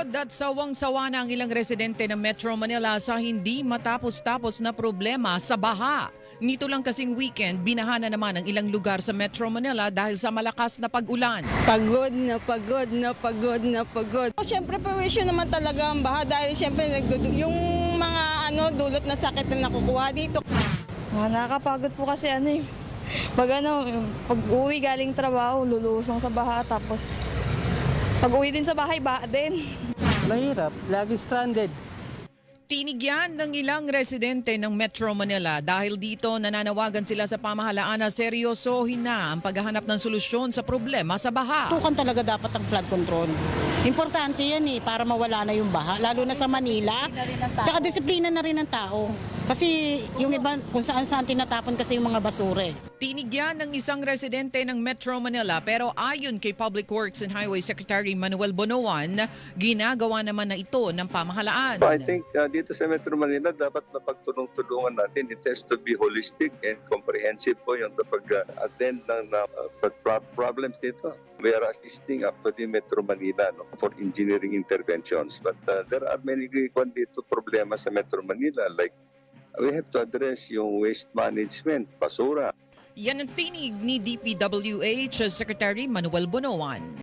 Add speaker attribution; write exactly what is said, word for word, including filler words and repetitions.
Speaker 1: Pagod at sawang-sawa na ang ilang residente ng Metro Manila sa hindi matapos-tapos na problema sa baha. Nito lang kasing weekend, binaha na naman ang ilang lugar sa Metro Manila dahil sa malakas na pag-ulan.
Speaker 2: Pagod na pagod na pagod na pagod. Oh, siyempre, perwisyo naman talaga ang baha dahil siyempre nagdudu- yung mga ano, dulot na sakit na nakukuha dito.
Speaker 3: Ah, nakakapagod po kasi ano eh. Pag ano, pag uwi galing trabaho, lulusong sa baha tapos pag uwi din sa bahay, baha din.
Speaker 4: Mahirap, lagi stranded.
Speaker 1: Tinigyan ng ilang residente ng Metro Manila dahil dito nananawagan sila sa pamahalaan na seryosohin na ang paghahanap ng solusyon sa problema sa baha.
Speaker 5: Tukan talaga dapat ang flood control. Importante yan eh, para mawala na yung baha, lalo na sa Manila. Tsaka disiplina na rin ng tao. Kasi yung iba, kung saan saan tinatapon kasi yung mga basura eh.
Speaker 1: Tinigyan ng isang residente ng Metro Manila pero ayon kay Public Works and Highway Secretary Manuel Bonoan, ginagawa naman na ito ng pamahalaan.
Speaker 6: So I think uh, dito sa Metro Manila dapat na pagtulong-tulungan natin. It has to be holistic and comprehensive po yung pag-attend ng uh, problems dito. We are assisting actually Metro Manila no, for engineering interventions. But uh, there are many kwan dito problema sa Metro Manila like we have to address yung waste management, basura.
Speaker 1: Yan ang tinig ni D P W H Secretary Manuel Bonoan.